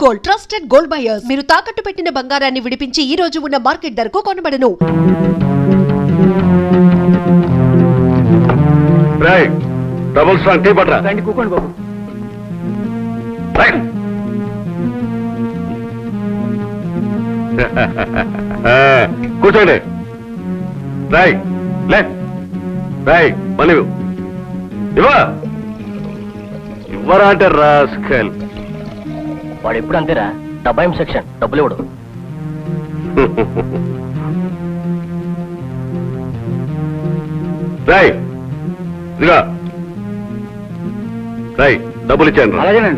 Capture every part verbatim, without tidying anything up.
Gold trusted gold buyers. మీరు తాకట్టు పెట్టిన బంగారాన్ని విడిపించి ఈ రోజు ఉన్న మార్కెట్ ధరకు కొనబడను. డబుల్ స్ట్రాంగ్ టీ పట్రా. కూకోండి బాబు. కూర్చోండి. రై లే రై పని ఇవ్వ ఇవ్వరా అంటే రాస్కల్. వాడు ఎప్పుడు అంతేరా, డబ్బాయి సెక్షన్ డబ్బులు ఇవ్వడు. రై ఇదిగా రై డబ్బులు ఇచ్చాను. అలాగేనండి.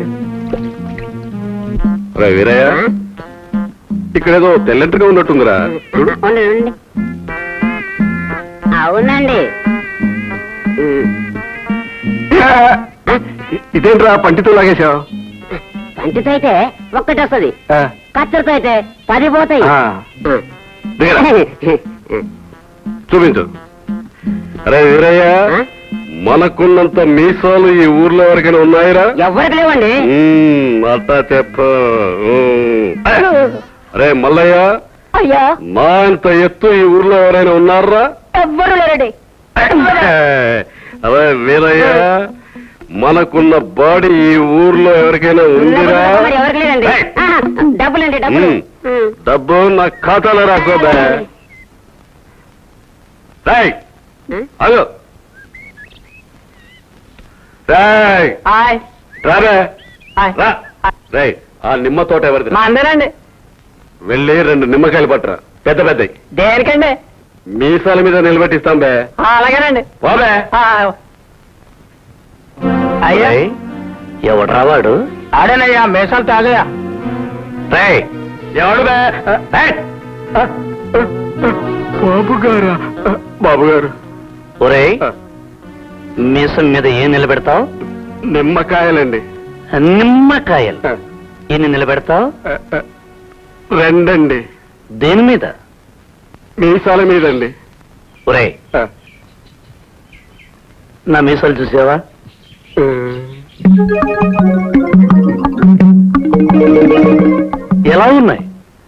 రా వీరయ్య, ఇక్కడేదో తెల్లెంటగా ఉన్నట్టుందిరా. అవునండి. ఇదేంట్రా పంటితో లాగేశావు? పంటితో అయితే ఒక్కటి వస్తుంది, కత్తెరతో అయితే పది పోతాయి. చూపించు. అరే వీరయ్య, మనకున్నంత మీసాలు ఈ ఊర్లో ఎవరికైనా ఉన్నాయిరా? ఎవరికి లేవండి. అట్టా చెప్ప. అరే మల్లయ్య, అయ్యా మా అంత ఎత్తు ఈ ఊర్లో ఎవరైనా ఉన్నారా? ఎవ్వరు లేరండి. అరే వీరయ్య, మనకున్న బాడీ ఈ ఊర్లో ఎవరికైనా ఉందిరా? ఎవరికి లేదండి. డబ్బులండి, డబ్బులు. డబ్బు నా ఖాతాలో రాకోదా? రాయ్ అదో రాయ్ రారా రా. రాయ్, ఆ నిమ్మ తోట ఎవరిది? మా అందరండి. వెళ్ళి రెండు నిమ్మకాయలు పట్టరా, పెద్ద పెద్దవి. దేనికండి? మీసాల మీద నిలబెట్టిస్తాం బే. అలాగేనండి. బాబే. అయ్యా ఎవడు రావాడు? ఆడేనయ్యా, మేసాలు తాగయా. రాయ్ ఎవడు బే? బాబు గారా? బాబు గారు. ఒరే, మీసం మీద ఏం నిలబెడతావు? నిమ్మకాయలండి. నిమ్మకాయలు ఎన్ని నిలబెడతావు? రెండండి. దేని మీద? మీసాల మీదండి. ఒరే, నా మీసాలు చూసావా? ఎలా ఉన్నాయి?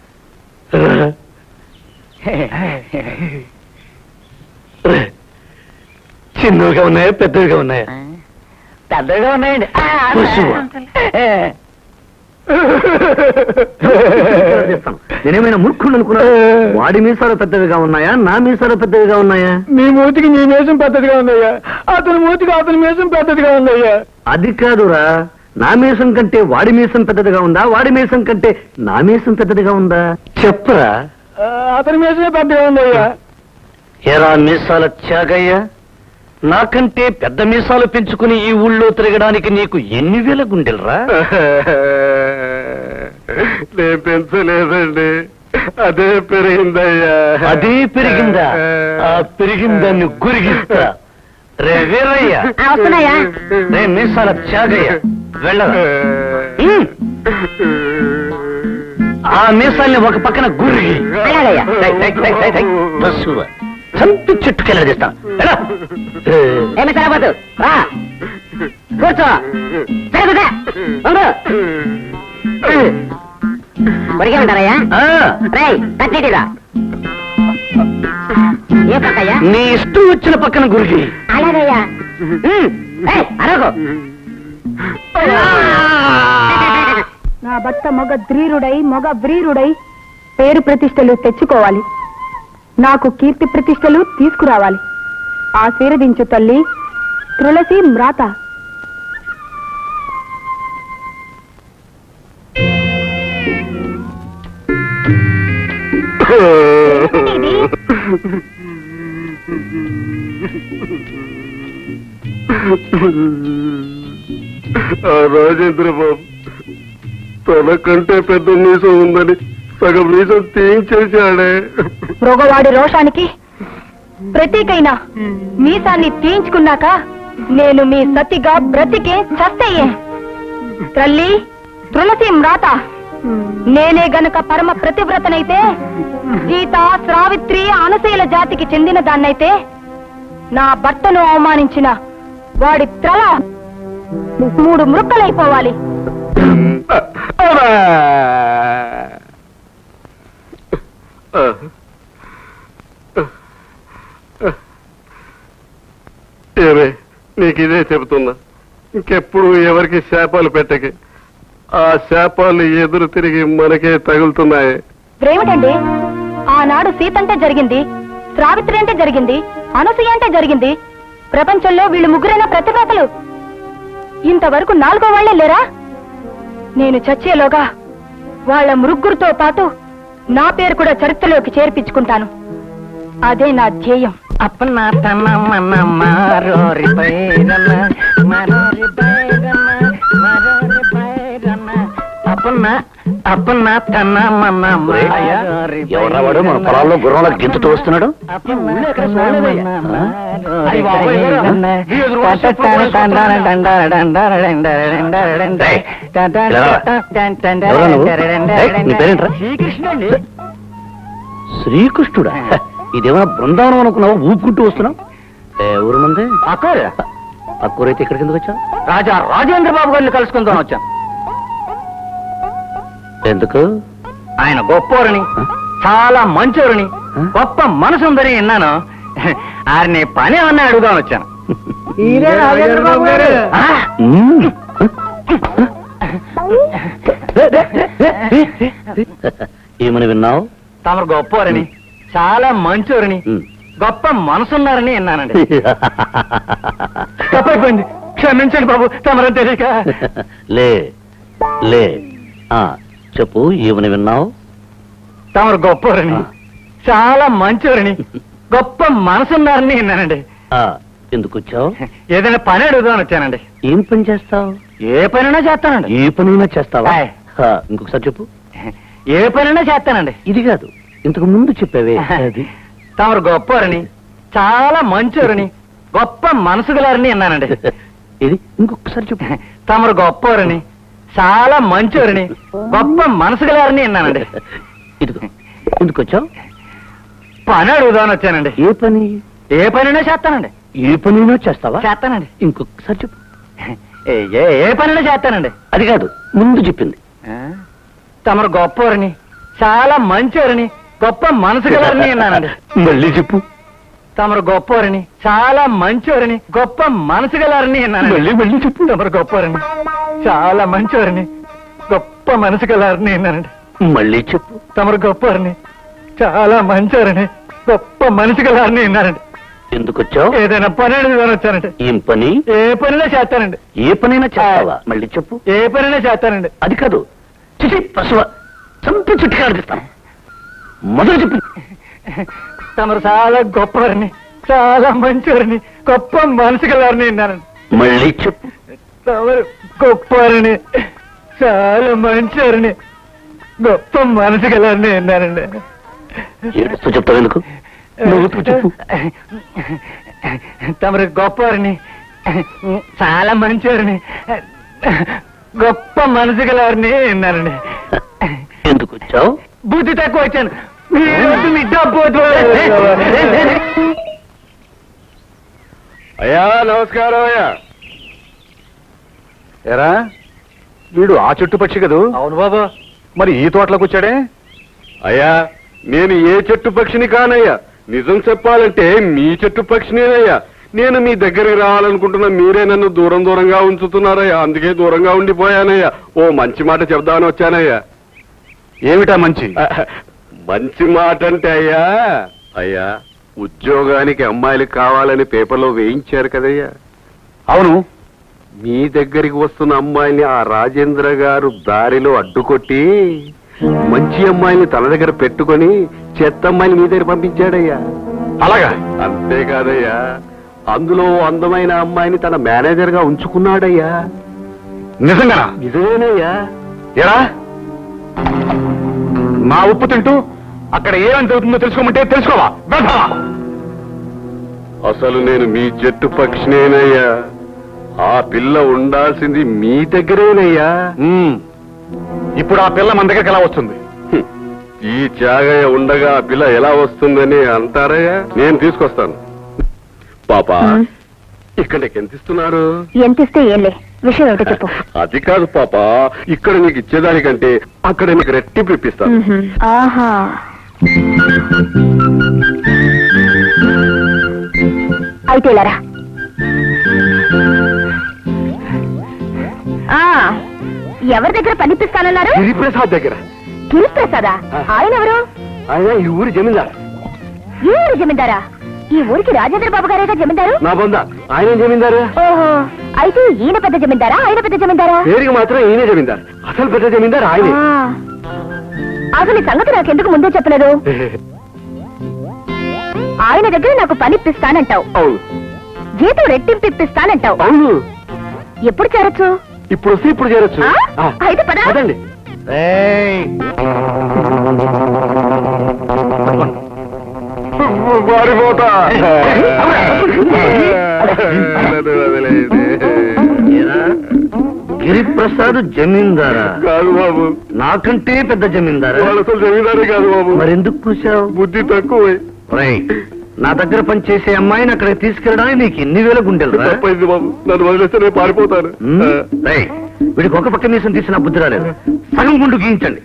చిన్నవిగా ఉన్నాయా, పెద్దవిగా ఉన్నాయా? పెద్దగా ఉన్నాయండి. నేనేమైనా మూర్ఖుడు అనుకున్నా? వాడి మీసాలు పెద్దవిగా ఉన్నాయా, నా మీసాలు పెద్దవిగా ఉన్నాయా? మీ మూతికి నీ మీసం పెద్దదిగా ఉందయ్యా, అతని మూతికి అతని మీసం పెద్దదిగా ఉందయ్యా. అది కాదురా, నా మీసం కంటే వాడి మీసం పెద్దదిగా ఉందా, వాడి మీసం కంటే నా మీసం పెద్దదిగా ఉందా? చెప్పరా. అతని మీసమే పెద్దగా ఉందయ్యా. ఎరా మీసాల త్యాగయ్య, నాకంటే పెద్ద మీసాలు పెంచుకుని ఈ ఊళ్ళో తిరగడానికి నీకు ఎన్ని వేల గుండెలరా? నేను పెంచలేదండి, అదే పెరిగిందయ్యా. అదే పెరిగిందా? ఆ పెరిగిందాన్ని గురిగిస్తా. రే వీరయ్య, వస్తున్నాయా? రే మీసాల త్యాగయ్య, వెళ్ళరా. ఆ మీసాల్ని ఒక పక్కన గురిగి చంపి చుట్టుకెళ్ళదిస్తా. ఏమి సరిపోతు రా, కూర్చో. కొరిగే ఉంటారయ్యా? రై కట్టేటిరా. ఏ పక్కయ్యా? నీ ఇష్టం వచ్చిన పక్కన గురిగి. అలాగయ్యా. అరగో. నా భర్త మొగ ధ్రీరుడై మొగ వ్రీరుడై పేరు ప్రతిష్టలు తెచ్చుకోవాలి, నాకు కీర్తి ప్రతిష్టలు తీసుకురావాలి. ఆశీర్వదించు తల్లి తులసి మ్రాత. రాజేంద్ర బాబు తన కంటే పెద్ద మీసం ఉందని సగం మీసం తీయించేశాడే. మృగవాడి రోషానికి ప్రతీకైనా మీసాన్ని తీయించుకున్నాక నేను మీ సతిగా బ్రతికే చస్తయ్యే. తల్లి తులసి మ్రాత, నేనే గనక పరమ ప్రతివ్రతనైతే, సీత శ్రావిత్రి అనశీల జాతికి చెందిన దాన్నైతే, నా భర్తను అవమానించిన వాడి త్రల మూడు మృక్కలైపోవాలి. నీకు ఇదే చెబుతున్నా, ఇంకెప్పుడు ఎవరికి శాపాలు పెట్టకే. ఆ శాపాలు ఎదురు తిరిగి మనకే తగులుతున్నాయి. ఇప్పుడేమిటండి, ఆనాడు సీత అంటే జరిగింది, సావిత్రి అంటే జరిగింది, అనసూయ అంటే జరిగింది. ప్రపంచంలో వీళ్ళు ముగ్గురైన ప్రతిభాతలు. ఇంతవరకు నాలుగో వాళ్లే లేరా? నేను చచ్చేలోగా వాళ్ళ ముగ్గురితో పాటు నా పేరు కూడా చరిత్రలోకి చేర్పించుకుంటాను. అదే నా ధ్యేయం. అప్పన్న తన మన మారోరి పైరన్న మారోరి పైరన్న మారోరి పైరన్న అప్పన్న అప్పన్న తన మన మారోరి ఎవరవాడు మన పొలాల్లో గుర్రంలో గింతుతూ వస్తున్నాడు. శ్రీకృష్ణుడు. శ్రీకృష్ణుడా? ఇదేమన్నా బృందావనం అనుకున్నావా? ఊపుకుంటూ వస్తున్నావు. ఎవరు మంది? అక్కూరు. అక్కూరైతే ఇక్కడికి ఎందుకు వచ్చావు? రాజా రాజేంద్ర బాబు గారిని కలుసుకుందాం వచ్చాను. ఎందుకు? ఆయన గొప్పవారని, చాలా మంచోరని, గొప్ప మనసుందని విన్నాను. ఆయన్ని పని అన్న అడుగుదాం వచ్చాను. ఏమని విన్నావు? తమరు గొప్పవారని, చాలా మంచోరని, గొప్ప మనసున్నారని విన్నానండి. తప్పైపోయింది, క్షమించండి బాబు, తమరని తెలియక. లే లే చెప్పు, ఏమని విన్నావు? తమరు గొప్పవారని, చాలా మంచోరని, గొప్ప మనసున్నారని విన్నానండి. ఎందుకు వచ్చావు? ఏదైనా పని అడుగుదామని వచ్చానండి. ఏం పని చేస్తావు? ఏ పనైనా చేస్తానండి. ఏ పనైనా చేస్తావా? ఇంకొకసారి చెప్పు. ఏ పనైనా చేస్తానండి. ఇది కాదు, ఇంతకు ముందు చెప్పావే అది. తమరు గొప్పవారని, చాలా మంచోరని, గొప్ప మనసు గలారని విన్నానండి. ఇది ఇంకొకసారి చెప్పు. తమరు గొప్పవారని, చాలా మంచోరని, గొప్ప మనసు గలారని విన్నానండి. ఇదిగో, ఎందుకు వచ్చావు? పని అడుగుదామని వచ్చానండి. ఏ పని? ఏ పనైనా చేస్తానండి. ఏ పనైనా చేస్తావా? చేస్తానండి. ఇంకొకసారి చెప్పు. ఏ ఏ పనైనా చేస్తానండి. అది కాదు, ముందు చెప్పింది. తమరు గొప్పవారని, చాలా మంచోరని, గొప్ప మనసు గలారని విన్నానండి. మళ్ళీ చెప్పు. తమరు గొప్పవారని, చాలా మంచోరని, గొప్ప మనసు గలారని విన్నానండి. మళ్ళీ మళ్ళీ చెప్పు. తమరు గొప్పవారని, చాలా మంచోరని, గొప్ప మనసు గలారని విన్నానండి. మళ్ళీ చెప్పు. తమరు గొప్పవారని, చాలా మంచోరని, గొప్ప మనసు గలారని విన్నానండి. ఎందుకు వచ్చావు? ఏదైనా పని అడుగుదామని వచ్చానండి. ఏం పని? ఏ పనైనా చేస్తానండి. ఏ పనైనా చేస్తావా? మళ్ళీ చెప్పు. ఏ పనైనా చేస్తానండి. అది కాదు, చిచి పశువ చంపి చుట్టుగా అనిపిస్తాను. మొదలు చెప్పు. తమరు చాలా గొప్పవారిని, చాలా మంచివారిని, గొప్ప మనసు గలవారిని విన్నానండి. మళ్ళీ చెప్పు. తమరు గొప్పవారిని, చాలా మంచివారిని, గొప్ప మనసు గలవారిని విన్నానండి. ఏడుస్తూ చెప్తావు ఎందుకు? నవ్వుతూ చెప్పు. తమరు గొప్పవారిని, చాలా మంచివారిని, గొప్ప మనసు గలవారిని విన్నానండి. ఎందుకు వచ్చావు? బుద్ధి తక్కువ వచ్చాను. మీ డబ్బు అయ్యా నమస్కారం. అయ్యా ఎరా, వీడు ఆ చెట్టు పక్షి కదూ? అవును బాబా. మరి ఈ తోటలోకి వచ్చాడే? అయ్యా, నేను ఏ చెట్టు పక్షిని కానయ్యా. నిజం చెప్పాలంటే మీ చెట్టు పక్షినేనయ్యా. నేను మీ దగ్గరికి రావాలనుకుంటున్నా, మీరే నన్ను దూరం దూరంగా ఉంచుతున్నారయ్యా. అందుకే దూరంగా ఉండిపోయానయ్యా. ఓ మంచి మాట చెప్దామని వచ్చానయ్యా. ఏమిటా మంచి? మంచి మాట అంటే అయ్యా, అయ్యా ఉద్యోగానికి అమ్మాయిలు కావాలని పేపర్లో వేయించారు కదయ్యా. అవును. మీ దగ్గరికి వస్తున్న అమ్మాయిని ఆ రాజేంద్ర గారు దారిలో అడ్డుకొట్టి మంచి అమ్మాయిని తన దగ్గర పెట్టుకొని చెత్త అమ్మాయిని మీ దగ్గర పంపించాడయ్యా. అలాగా? అంతేకాదయ్యా, అందులో అందమైన అమ్మాయిని తన మేనేజర్ గా ఉంచుకున్నాడయ్యా. నిజంగా? నిజమేనయ్యా. ఎరా, నా ఉప్పు తింటూ అక్కడ ఏమని జరుగుతుందో తెలుసుకోమంటే తెలుసుకోవా? వెళ్తావా? అసలు నేను మీ జట్టు పక్షినేనయ్యా. ఆ పిల్ల ఉండాల్సింది మీ దగ్గరేనయ్యా. ఇప్పుడు ఆ పిల్ల మన దగ్గరికి ఎలా వస్తుంది? హ్మ్. ఈ త్యాగయ్య ఉండగా ఆ పిల్ల ఎలా వస్తుందని అంటారయ్యా. నేను తీసుకొస్తాను. పాపా, ఇక్కడ నీకు ఎంత ఇస్తున్నారు? ఎంత ఇస్తే ఏంలే, విషయం ఏమిటో చెప్పు. అది కాదు పాపా, ఇక్కడ నీకు ఇచ్చేదానికంటే అక్కడ నీకు రెట్టింపు ఇప్పిస్తాను. ఆహా, అయితే ఇలారా. ఆ ఎవరి దగ్గర పనిపిస్తానన్నారు? గిరిప్రసాద్ దగ్గర. గిరిప్రసాదా? ఆయన ఎవరు? ఆయన ఈ ఊరి జమీందారు. ఈ ఊరి జమీందారా? ఈ ఊరికి రాజేంద్ర బాబు గారేగా జమీందారు. నా బొంద ఆయన జమీందారు. ఓహో, అయితే ఈయన పెద్ద జమీందారా, ఆయన పెద్ద జమీందారా? పేరుకి మాత్రం ఈయనే జమీందారు, అసలు పెద్ద జమీందారు ఆయనే. ఆ, అసలు ఈ సంగతి నాకెందుకు ముందే చెప్పలేదు? ఆయన దగ్గర నాకు పని ఇప్పిస్తానంటావు, అవును జీతం రెట్టింపు ఇప్పిస్తానంటావు. అవును. ఎప్పుడు చేరొచ్చు? ఇప్పుడు వస్తే ఇప్పుడు చేరొచ్చు. ఆ? ఆ, అయితే పద. పదండి. పారిపోతా. ఏరా, గిరిప్రసాద్ జమీందారా? కాదు బాబు, నాకంటే పెద్ద జమీందారా? వాళ్ళు అసలు జమీందారే కాదు బాబు. మరెందుకు కూర్చావు? బుద్ధి తక్కువ. రైట్, నా దగ్గర పనిచేసే అమ్మాయిని అక్కడికి తీసుకెళ్ళడానికి నీకు ఎన్ని వేల గుండెలు రా? తప్పైంది బాబు, నన్ను వదిలేస్తే నేను పారిపోతాను. ఉమ్, రైట్. వీడికి ఒక పక్క మీసం తీసిన బుద్ధి రాలేదు, సగం గుండు గీయించండి.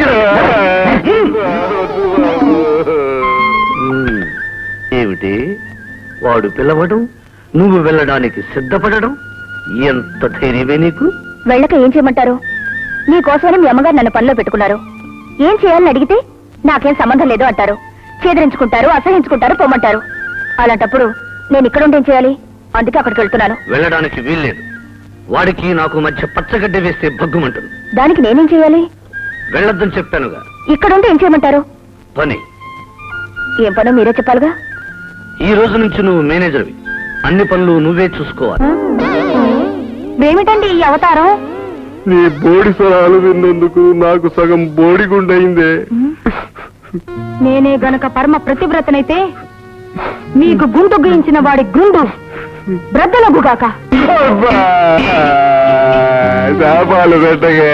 ఉమ్, ఏమిటి వాడు పిలవడం, నువ్వు వెళ్ళడానికి సిద్ధపడడం, ఎంత ధైర్యమే నీకు? వెళ్ళక ఏం చేయమంటారు? నీకోసమని మీ అమ్మగారు నన్ను పనిలో పెట్టుకున్నారు. ఏం చేయాలని అడిగితే నాకేం సంబంధం లేదు అంటారు. చేదరించుకుంటారు, అసహించుకుంటారు, పొమ్మంటారు. అలాంటప్పుడు నేను ఇక్కడ ఉండి ఏం చేయాలి? అందుకే అక్కడికి వెళ్తున్నాను. వెళ్ళడానికి వీల్లేదు. వాడికి నాకు మధ్య పచ్చగడ్డ వేస్తే భగ్గుమంటుంది. దానికి నేనేం చేయాలి? వెళ్ళొద్దని చెప్పానుగా. ఇక్కడుండి ఏం చేయమంటారు? పని. ఏం పనో మీరే చెప్పాలిగా. ఈ రోజు నుంచి నువ్వు మేనేజర్వి, అన్ని పనులు నువ్వే చూసుకోవాలి. ఏమిటండి ఈ అవతారం? నీ బోడి సలహాలు విన్నందుకు నాకు సగం బోడి గుండయిందే. నేనే గనక పరమ ప్రతివ్రతనైతే మీకు గుండు గీయించిన వాడి గుండు బ్రద్దలగుగాక. శాపాలు పెట్టగే.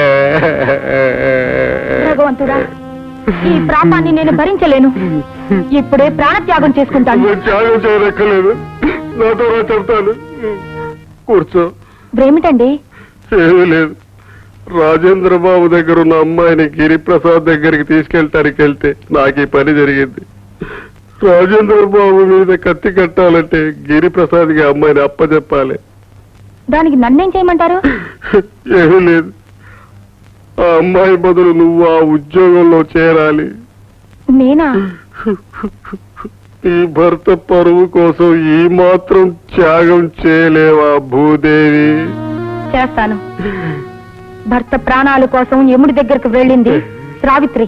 భగవంతుడా, ఈ ప్రాపాన్ని నేను భరించలేను. ఇప్పుడే ప్రాణత్యాగం చేసుకుంటాను. నువ్వు త్యాగం చేయనక్కర్లేదు, నాతో రా చెప్తాను. కూర్చో. ఏమిటండి? ఏమీ లేదు, రాజేంద్ర బాబు దగ్గర ఉన్న అమ్మాయిని గిరిప్రసాద్ దగ్గరికి తీసుకెళ్ళటానికి వెళ్తే నాకు ఈ పని జరిగింది. రాజేంద్ర బాబు మీద కత్తి కట్టాలంటే గిరిప్రసాద్కి అమ్మాయిని అప్పచెప్పాలి. దానికి నన్నేం చేయమంటారు? ఏమీ లేదు, ఆ అమ్మాయి బదులు నువ్వు ఆ ఉద్యోగంలో చేరాలి. నేనా? ఈ భర్త పరువు కోసం ఈ మాత్రం త్యాగం చేయలేవా భూదేవి? చేస్తాను. భర్త ప్రాణాల కోసం యముడి దగ్గరకు వెళ్ళింది సావిత్రి.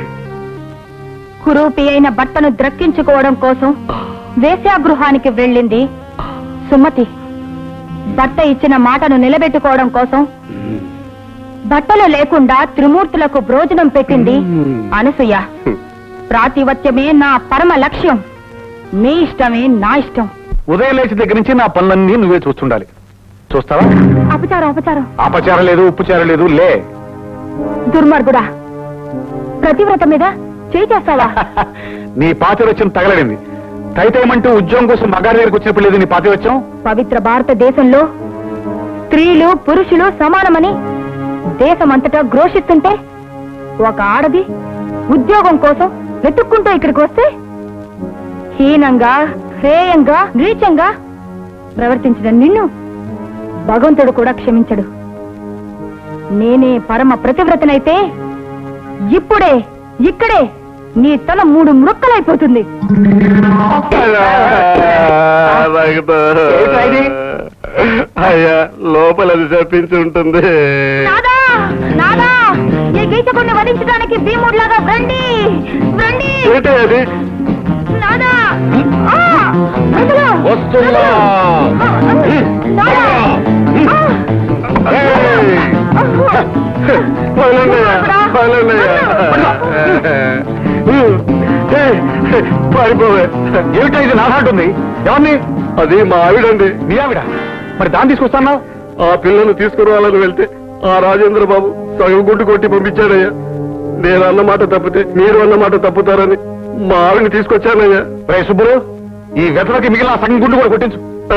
కురూపి అయిన భర్తను ద్రక్కించుకోవడం కోసం వేశ్యాగృహానికి వెళ్ళింది సుమతి. భర్త ఇచ్చిన మాటను నిలబెట్టుకోవడం కోసం బట్టలు లేకుండా త్రిమూర్తులకు భోజనం పెట్టింది అనసూయ. ప్రాతివత్యమే నా పరమ లక్ష్యం, మీ ఇష్టమే నా ఇష్టం. ఉదయం లేచి దగ్గర నుంచి నా పనులన్నీ నువ్వే చూస్తుండాలి. చూస్తావా? అపచారం అపచారం. అపచారం లేదు, ఉప్పుచారం లేదు. లే. దుర్మార్గుడా, ప్రతివ్రత మీద చేయి చేస్తావా? నీ పాతివత్యం తగలడింది. తైతేమంటూ ఉద్యోగం కోసం మగారి దగ్గరికి వచ్చినప్పుడు లేదు నీ పాతివత్యం. పవిత్ర భారతదేశంలో స్త్రీలు పురుషులు సమానమని దేశమంతటా ఘోషిస్తుంటే ఒక ఆడది ఉద్యోగం కోసం వెతుక్కుంటూ ఇక్కడికి వస్తే హీనంగా, హేయంగా, నీచంగా ప్రవర్తించిన నిన్ను భగవంతుడు కూడా క్షమించడు. నేనే పరమ ప్రతివ్రతనైతే ఇప్పుడే ఇక్కడే నీ తల మూడు మృక్కలైపోతుంది. అయ్యా, లోపల అది చెప్పించి ఉంటుంది. నాదా నాదా, ఈ గీతకుడిని వధించడానికి భీముడిలాగా రండి రండి. ఏంటి అది? నాదా, ఆ, వదలు. వస్తున్నా. నాదా, ఆ. ఏయ్! వదలండయ్యా, వదలండయ్యా. ఏయ్, పారిపోవే. ఏమిటా ఇది నాదంటుంది? ఎవరిని? అది మా ఆవిడండి. నీ ఆవిడ? మరి దాన్ని తీసుకొస్తాను. ఆ పిల్లను తీసుకురావాలని వెళ్తే ఆ రాజేంద్ర బాబు సగం గుండు కొట్టి పంపించాడయ్యా. నేను అన్నమాట తప్పితే మీరు అన్నమాట తప్పుతారని మా ఆవిడని తీసుకొచ్చానయ్యా. రే సుబ్బులు, ఈ వెతలకి మిగిలిన సగం గుండు కూడా కొట్టించు.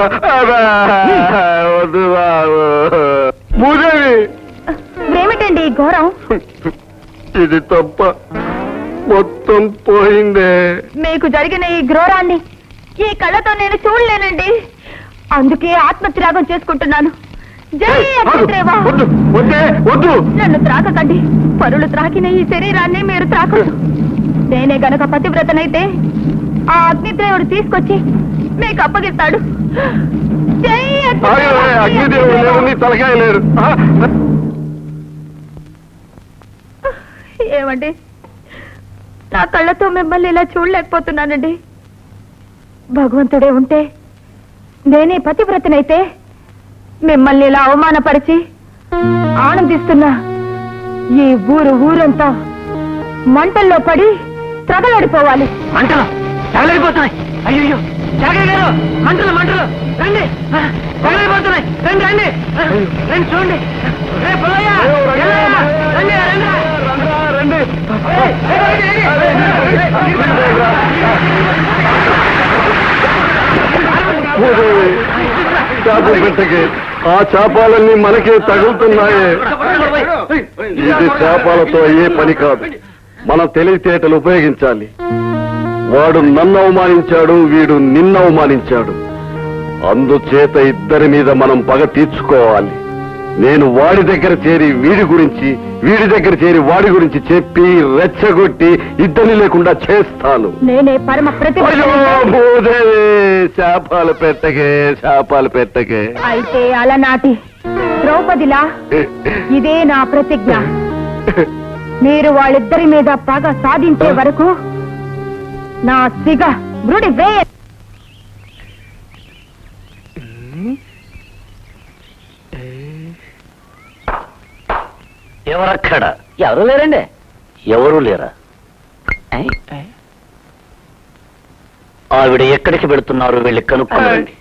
వద్దు బాబు. భూదేవి, ఏమిటండి ఈ ఘోరం? ఇది తప్ప మొత్తం పోయిందే. మీకు జరిగిన ఈ ఘోరాన్ని ఈ కళ్ళతో నేను చూడలేనండి. అందుకే ఆత్మత్యాగం చేసుకుంటున్నాను. జై అగ్నిదేవా! వద్దు వద్దే వద్దు. నన్ను త్రాకకండి. పరులు త్రాకిన ఈ శరీరాన్ని మీరు త్రాకదు. నేనే గనక పతివ్రతనైతే ఆ అగ్నిదేవుడు తీసుకొచ్చి మీకు అప్పగిస్తాడు. జై అగ్నిదేవా! అగ్నిదేవుడు లేరు, నీ తలకాయ లేరు. ఆ, ఏమండి, నా కళ్ళతో మిమ్మల్ని ఇలా చూడలేకపోతున్నానండి. భగవంతుడే ఉంటే, నేనే పతివ్రతనైతే మిమ్మల్ని ఇలా అవమానపరిచి ఆనందిస్తున్నా ఈ ఊరు ఊరంతా మంటల్లో పడి త్రగలడిపోవాలి. మంటలు తగలడిపోతున్నాయి. అయ్యో జాగ్రత్త గారు, మంటలు మంటలు రండి, ఆ, తగలడిపోతున్నాయి. రండి రండి ఆ, రండి చూడండి. రే పుల్లయ్య, ఎల్లయ్య, రండి రండి రండ్రా, రండి. ఏయ్, ఏయ్, ఏయ్, ఓయ్, చేపలు పెట్టకే, ఆ చేపాలన్నీ మనకే తగులుతున్నాయే. ఇది చేపాలతో అయ్యే పని కాదు. మన తెలివితేటలు ఉపయోగించాలి. వాడు నన్ను అవమానించాడు, వీడు నిన్ను అవమానించాడు. అందుచేత ఇద్దరి మీద మనం పగ తీర్చుకోవాలి. నేను వాడి దగ్గర చేరి వీడి గురించి, వీడి దగ్గర చేరి వాడి గురించి చెప్పి రెచ్చగొట్టి ఇద్దరిని లేకుండా చేస్తాను. నేనే పరమ అయ్యో, ప్రతిభ. భూదేవి, శాపాలు పెట్టకే, శాపాలు పెట్టకే. అయితే అలనాటి ద్రౌపదిలా ఇదే నా ప్రతిజ్ఞ. మీరు వాళ్ళిద్దరి మీద పగ సాధించే వరకు నా సిగ బ్రుడి వేయ. ఎవరక్కడ? ఎవరు లేరండి. ఎవరు లేరా? ఆవిడ ఎక్కడికి వెళుతున్నారు? వెళ్ళి కనుక్కోండి.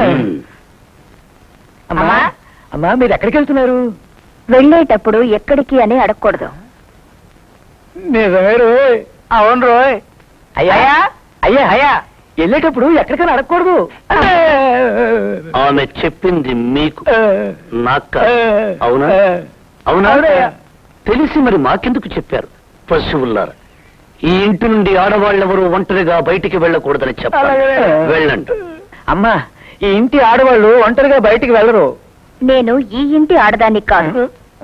అమ్మా, అమ్మా మీరు ఎక్కడికి వెళ్తున్నారు? వెళ్ళేటప్పుడు ఎక్కడికి అని అడగకూడదు. నిజమే రోయ్. అవును రోయ్. అయ్యా అయ్యా అయ్యా వెళ్ళేటప్పుడు ఎక్కడికైనా అడగకూడదు. ఆమె చెప్పింది మీకు, నాకు. అవునా? అవునా? తెలిసి మరి మాకెందుకు చెప్పారు? పశువుల్లారా, ఈ ఇంటి నుండి ఆడవాళ్ళెవరూ ఒంటరిగా బయటికి వెళ్ళకూడదని చెప్పాలి. వెళ్ళండి. అమ్మా, ఈ ఇంటి ఆడవాళ్ళు ఒంటరిగా బయటికి వెళ్ళరు. నేను ఈ ఇంటి ఆడదాన్ని కాదు.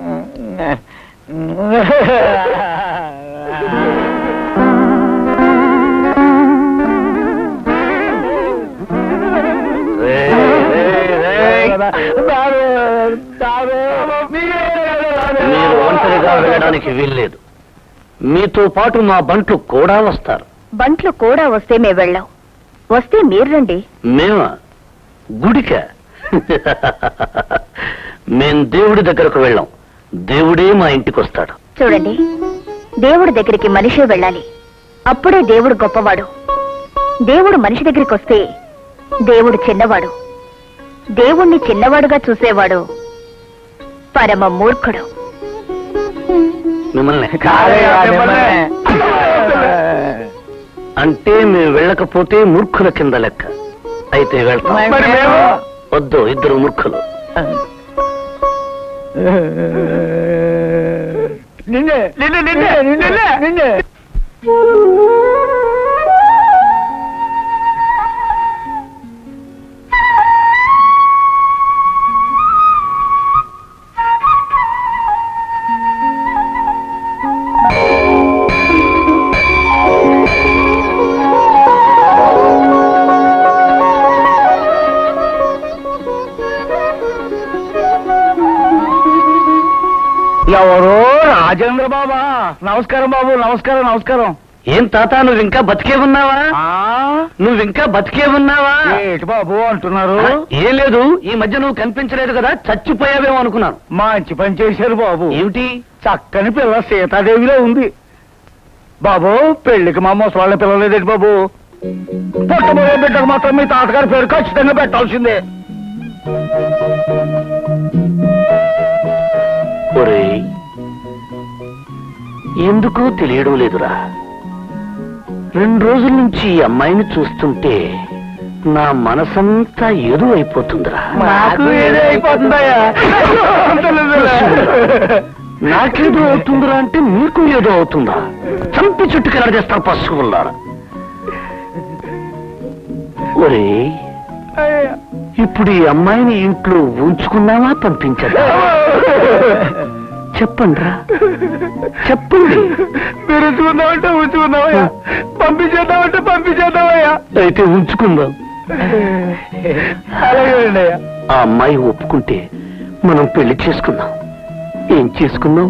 మీరు ఒంటరిగా వెళ్ళడానికి వీల్లేదు. మీతో పాటు మా బంట్లు కూడా వస్తారు. బంట్లు కూడా వస్తే మేము వెళ్ళాం. వస్తే మీరు రండి. మేమా? గుడిక? మేం దేవుడి దగ్గరకు వెళ్ళాం. దేవుడే మా ఇంటికి వస్తాడు. చూడండి, దేవుడి దగ్గరికి మనిషే వెళ్ళాలి. అప్పుడే దేవుడు గొప్పవాడు. దేవుడు మనిషి దగ్గరికి వస్తే దేవుడు చిన్నవాడు. దేవుణ్ణి చిన్నవాడుగా చూసేవాడు పరమ మూర్ఖుడు. మిమ్మల్ని అంటే మేము వెళ్ళకపోతే మూర్ఖుల కింద లెక్క. అయితే వెళ్తాం. వద్దు, ఇద్దరు మూర్ఖులు. నిన్నే నిన్నే నిన్నే నిన్నే నిన్నే ఎవరో రాజేంద్ర బాబా. నమస్కారం బాబు. నమస్కారం నమస్కారం. ఏం తాత, నువ్వు ఇంకా బతికే ఉన్నావా? నువ్వు ఇంకా బతికే ఉన్నావా? ఏంటి బాబు అంటున్నారు? ఏం లేదు, ఈ మధ్య నువ్వు కనిపించలేదు కదా, చచ్చిపోయావేమో అనుకున్నాను. మంచి పని చేశారు బాబు. ఏమిటి? చక్కని పిల్ల సీతాదేవిలో ఉంది బాబు. పెళ్లికి మా ముసలాళ్ళ పిల్లలేదేంటి బాబు? పుట్టబోయే బిడ్డకు మాత్రం మీ తాతగారి పేరు ఖచ్చితంగా పెట్టాల్సిందే. ఒరేయ్, ఎందుకో తెలియడం లేదురా. రెండు రోజుల నుంచి ఈ అమ్మాయిని చూస్తుంటే నా మనసంతా ఏదో అయిపోతుందిరా. నాకేదో అవుతుందిరా అంటే మీకు ఏదో అవుతుందా? చంపి చుట్టుకెళ్ళ చేస్తారు పశువుల్లారా. ఒరే, ఇప్పుడు ఈ అమ్మాయిని ఇంట్లో ఉంచుకున్నావా పంపించదా చెప్పండి రా చెప్పండి. మీరు ఉంచుకుందామంటే ఉంచుకుందామయ్యా, పంపించేద్దామంటే పంపించేద్దామయ్యా. అయితే ఉంచుకుందాం. అలాగే అయ్యా. ఆ అమ్మాయి ఒప్పుకుంటే మనం పెళ్లి చేసుకుందాం. ఏం చేసుకుందాం?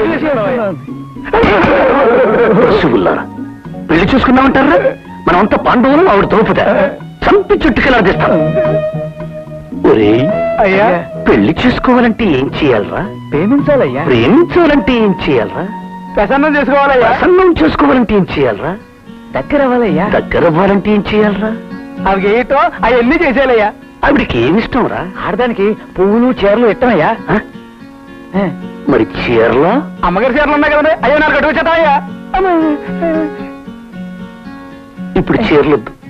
పశువుల్లారా పెళ్లి చూసుకుందామంటారా? మనమంతా పాండవులు, ఆవిడ ద్రౌపద. చంపి చుట్టుకెళ్ళాదిస్తాం. ఒరే అయ్యా, పెళ్లి చేసుకోవాలంటే ఏం చేయాలరా? ప్రేమించాలయ్యా. ప్రేమించాలంటే ఏం చేయాలరా? ప్రసన్నం చేసుకోవాలయ్యా. ప్రసన్నం చేసుకోవాలంటే ఏం చేయాలరా? దగ్గర అవ్వాలయ్యా. దగ్గర అవ్వాలంటే ఏం చేయాలరా? అవి ఏటో అవన్నీ చేసేయాలయ్యా. ఆవిడికి ఏమిష్టం రా? ఆడదానికి పువ్వులు చీరలు ఇట్టమయ్యా. ఆ? మరి చీరలా? అమ్మగారి చీరలు ఉన్నాయి కదండి, అయ్యో నాకు కట్టుకొచ్చేద్దామయ్యా. ఇప్పుడు చీరలొద్దు,